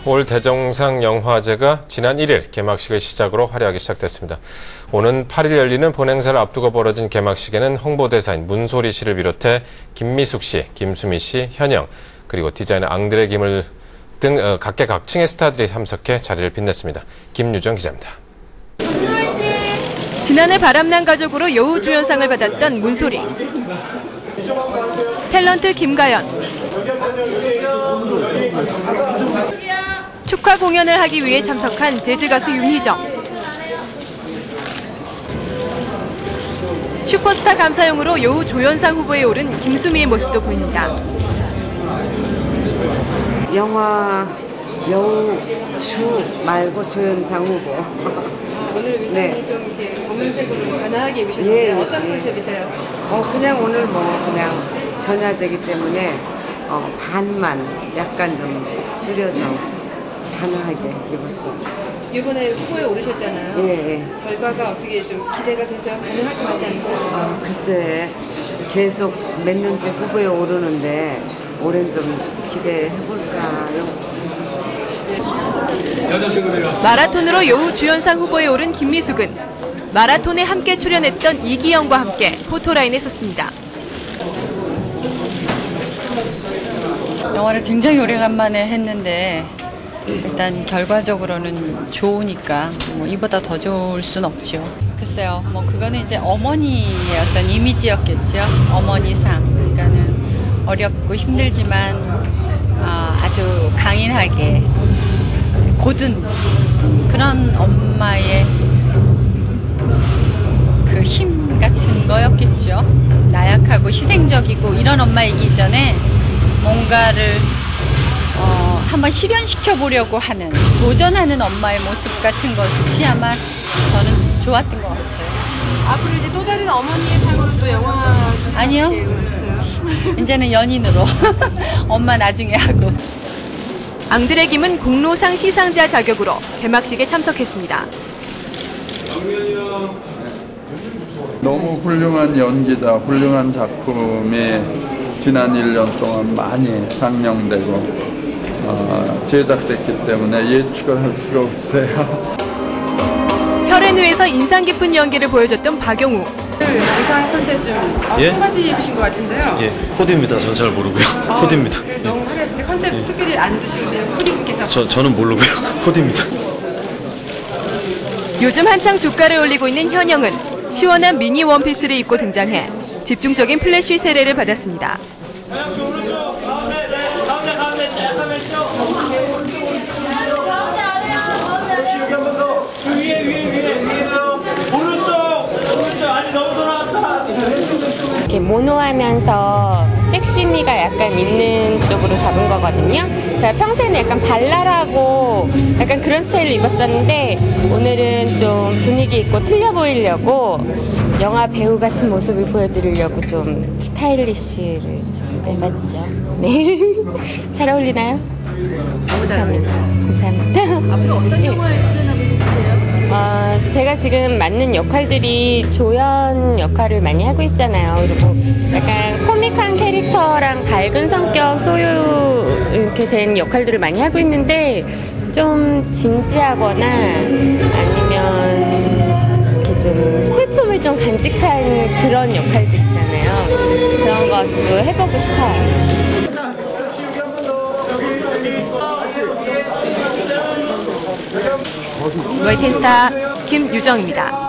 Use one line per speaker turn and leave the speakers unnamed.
올 대종상 영화제가 지난 1일 개막식을 시작으로 화려하게 시작됐습니다. 오는 8일 열리는 본행사를 앞두고 벌어진 개막식에는 홍보대사인 문소리 씨를 비롯해 김미숙 씨, 김수미 씨, 현영, 그리고 디자이너 앙드레 김을 등 각계각층의 스타들이 참석해 자리를 빛냈습니다. 김유정 기자입니다.
지난해 바람난 가족으로 여우주연상을 받았던 문소리, 탤런트 김가연, 축하 공연을 하기 위해 참석한 재즈 가수 윤희정, 슈퍼스타 감사용으로 여우조연상 후보에 오른 김수미의 모습도 보입니다.
영화 여우주 말고 조연상 후보.
오늘 의상이
네.
좀 이렇게 검은색으로 가난하게 입으셨는데
예,
어떤
예.
컨셉이세요?
그냥 오늘 그냥 전야제기 때문에 반만 약간 좀 줄여서 가능하게 입었어요.
이번에 후보에 오르셨잖아요.
예.
결과가 어떻게 좀 기대가 돼서 가능할 것 같지 않으세요?
글쎄 계속 몇 년째 후보에 오르는데 올해는 좀 기대해볼까요?
마라톤으로 여우주연상 후보에 오른 김미숙은 마라톤에 함께 출연했던 이기영과 함께 포토라인에 섰습니다.
영화를 굉장히 오래간만에 했는데 일단 결과적으로는 좋으니까 이보다 더 좋을 순 없죠. 글쎄요, 그거는 이제 어머니의 어떤 이미지였겠죠. 어머니상. 그러니까는 어렵고 힘들지만 아주 강인하게 고든 그런 엄마의 그 힘 같은 거였겠죠. 나약하고 희생적이고 이런 엄마이기 전에 뭔가를 한번 실현시켜 보려고 하는, 도전하는 엄마의 모습 같은 것이 아마 저는 좋았던 것 같아요.
앞으로 이제 또 다른 어머니의 상으로 또 영화
아니요. 이제는 연인으로 엄마 나중에 하고.
앙드레 김은 공로상 시상자 자격으로 개막식에 참석했습니다.
너무 훌륭한 연기자, 훌륭한 작품이 지난 1년 동안 많이 상영되고 제작됐기 때문에 예측을 할 수가 없어요.
혈앤우에서 인상 깊은 연기를 보여줬던 박용우.
의상 컨셉 좀 청바지 입으신 것 같은데요.
예, 코디입니다. 전 잘 모르고요. 코디입니다.
너무 화려하신데 컨셉 특별히 안 두시는데요. 코디분께서.
저는 모르고요. 코디입니다.
요즘 한창 주가를 올리고 있는 현영은 시원한 미니 원피스를 입고 등장해 집중적인 플래시 세례를 받았습니다.
이렇게 모노하면서 섹시미가 약간 있는 쪽으로 잡은 거거든요. 제가 평소에는 약간 발랄하고 약간 그런 스타일을 입었었는데 오늘은 좀 분위기 있고 틀려 보이려고 영화 배우 같은 모습을 보여드리려고 좀 스타일리시를 좀 내봤죠. 네. 잘 어울리나요? 감사합니다. 감사합니다.
앞으로 어떤 영화에 출연하고 싶으세요?
제가 지금 맡는 역할들이 조연 역할을 많이 하고 있잖아요. 그리고 약간 코믹한 캐릭터랑 밝은 성격 소유 이렇게 된 역할들을 많이 하고 있는데 좀 진지하거나 아니면 이렇게 좀 슬픔을 좀 간직한 그런 역할들 있잖아요. 그런 것도 해보고 싶어요.
월텐스타 김유정입니다.